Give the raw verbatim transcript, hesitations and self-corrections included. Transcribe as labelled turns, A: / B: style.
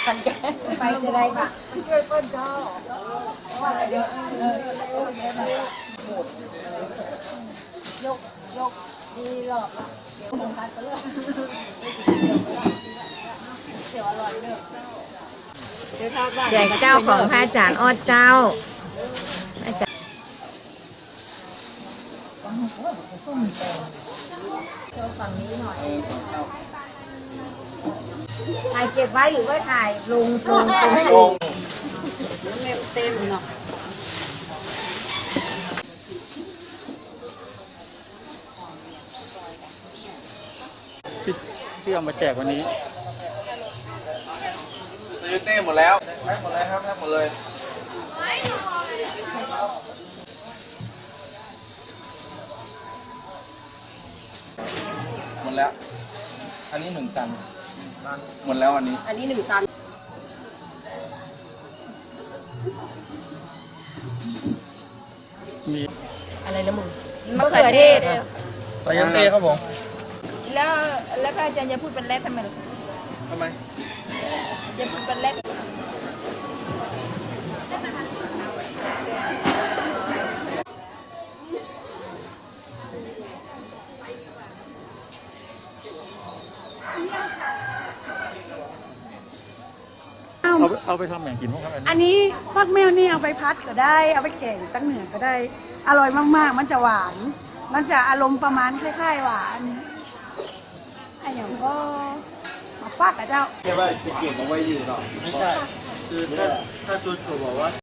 A: กันแกไปจะได้ค่ะช่วยเปิ้ลเจ้าว่าเดี๋ยวยกยกดีหรอกเดี๋ยวผมพัดไปเลยเดี๋ยวอร่อยเด้อเดี๋ยวทอดบ้าน
B: ใหญ่เจ้าของพระอาจารย์ออดเจ้าอาจารย์โชว์ฝั่งนี้หน่อยถ่ายเก็บไว้หรือว่าถ่ายลงลงลงให้ลงเต็มเนาะ
C: ที่ที่เอามาแจกวันนี้
D: ซื้อเต้หมดแล้วแพ็คหมดเลยครับแพ็คหมดเลยหมดแล้ว อันนี้หนึ่งตันหมดแล้วอันนี้
A: อันนี้หนึ่งตัน
C: มี
B: อะไรนะมึงมะเขือเทศ
D: ใส่ยันเต้ครับผม
B: แล้วแล้วพระอาจารย์จะพูดเป็นแรดทำไมล่ะ
D: ทำไม
B: จะพูดเป็นแรด
C: เอาเอาไปทำแหม่งกินพวกครับ
E: อันนี้ฟักแมวนี่เอาไปพัดก็ได้ เอาไปแกงตั้งเหนือก็ได้ อร่อยมากๆ มันจะหวาน มันจะอารมณ์ประมาณคล้ายๆหวานไอ้อย่างก็มาฟักกับเจ้า
D: ใช่ว่าจะเก็บเอาไว้อยู่ต่อไม่ใช่คือถ้าถ้าจูจูบอกว่า